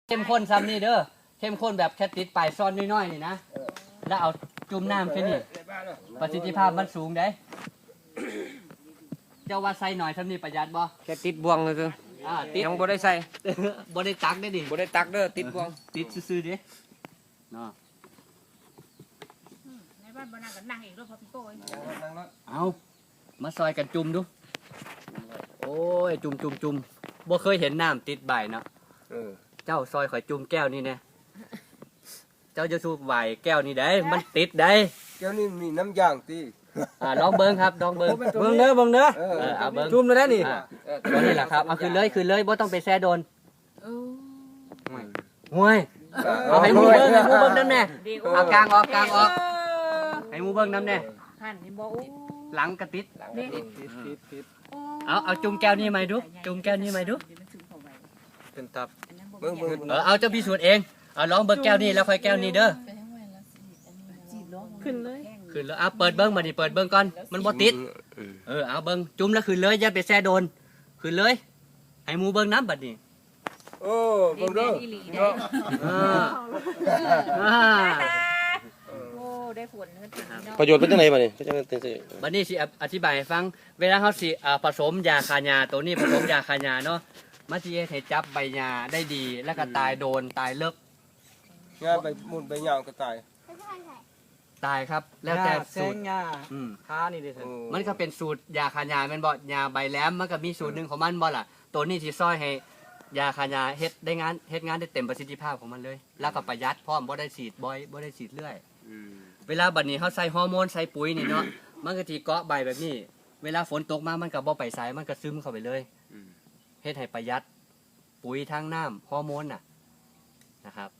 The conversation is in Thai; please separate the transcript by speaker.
Speaker 1: เข้มข้นซ้ำนี่เด้อเข้มข้นแบบแค่ติดปลายซ่อนน้อยๆนี่นะแล้วเอาจุ่มน้ำแค่นี้ประสิทธิภาพมันสูงได้เจ้าว่าใส่หน่อยซ้ำนี่ประหยัดบ่
Speaker 2: แค่ติดบวงเลยคือ
Speaker 1: ติด
Speaker 2: ยังบ่ได้ใส่
Speaker 1: บ่ได้ตักได้ดิ
Speaker 2: บ่ได้ตักเด้อติดบวง
Speaker 1: ติดซื่อๆดิเนาะ
Speaker 3: ในบ้านบ้านนั่งกันนั่งอีกรอบพอพี่โก้ย
Speaker 1: เอามาซอยกันจุ่มดูโอ้ยจุ่มบ่เคยเห็นน้ำติดใบเนาะเจ้าซอยข่อยจุ่มแก้วนี่แน่เจ้าจะสูบไหวแก้วนี่ได้มันติดได้
Speaker 4: แก้วนี่มีน้ำยางตี
Speaker 1: ลองเบิ้งครับลองเบิ้ง
Speaker 2: เบิ่งเด้อเบิ่งเด้อ
Speaker 1: เอาเบิ้ง
Speaker 2: จุ่มเลยได้นี่
Speaker 1: ตัวนี้แหละครับเอาขึ้นเลยบ่ต้องไปแช่โดนห่วยเอาให้หมูเบิ้งน้ำแน่เอากลางออกให้หมูเบิ้งน้ำแน่
Speaker 3: หันนี่บอกอู้
Speaker 1: หลังกระติด
Speaker 4: ติด
Speaker 1: เอาจุ่มแก้วนี่ไหมดูจุ่มแก้วนี่ไหมดู
Speaker 2: เป็นตับ
Speaker 4: เบิ่ง
Speaker 1: เอาเจ้าพิสูจน์เองเอาลองเบิ้งแก้วนี่แล้วค่อยแก้วนี้เด้อ
Speaker 3: ขึ้นเลย
Speaker 1: ขึ้นแล้วเปิดเบิ้งมาดิเปิดเบิ้งก่อนมันบ่ติดเอาเบิ้งจุ่มแล้วขึ้นเลยอย่าไปแช่โดนขึ้นเลยให้หมูเบิ้งน้ำบัดนี้
Speaker 4: โอ้เบิ่งเด้อ
Speaker 3: โอ้ได้ผลกันถึงเนาะ
Speaker 5: ประโยชน์เป็นจังไดบัดนี้ก็จังเป็นจังซี่
Speaker 1: บัดนี้สิอธิบายให้ฟังเวลาเขาสิผสมยาคาหญ้าตัวนี้ผสมยาคาหญ้าเนาะมันสิเฮ็ดให้จับใบหญ้าได้ดีแล้วก็ตายโดนตายเลิก
Speaker 4: งาไปหมุนไปยาวก็ตาย
Speaker 1: ตายครับ แล้วแต่
Speaker 2: แซ
Speaker 1: สู
Speaker 2: ง
Speaker 1: ตร
Speaker 2: หญ้า
Speaker 1: อืม
Speaker 2: ค้านี่ดิเถอะ
Speaker 1: มันก็เป็นสูตรยาคาหญ้าแม่นบ่ยาใบแหลมมันก็มีสูตรหนึงของมันบ่ล่ะตัวนี้สิซอยให้ยาคาหญ้าเฮ็ดงานได้เต็มประสิทธิภาพของมันเลย แล้วก็ประหยัดพร้อมบ่ได้ฉีดบ่อยบ่ได้ฉีดเรื่อยเวลาบัดนี้เฮาใส่ฮอร์โมนใส่ปุ๋ยนี่เนาะมันก็สิเกาะใบแบบนี้ เวลาฝนตกมามันก็บ่ไปไสมันก็ซึมเข้าไปเลยเฮ็ดให้ประหยัดปุ๋ยทางน้ำฮอร์โมนน่ะนะครับ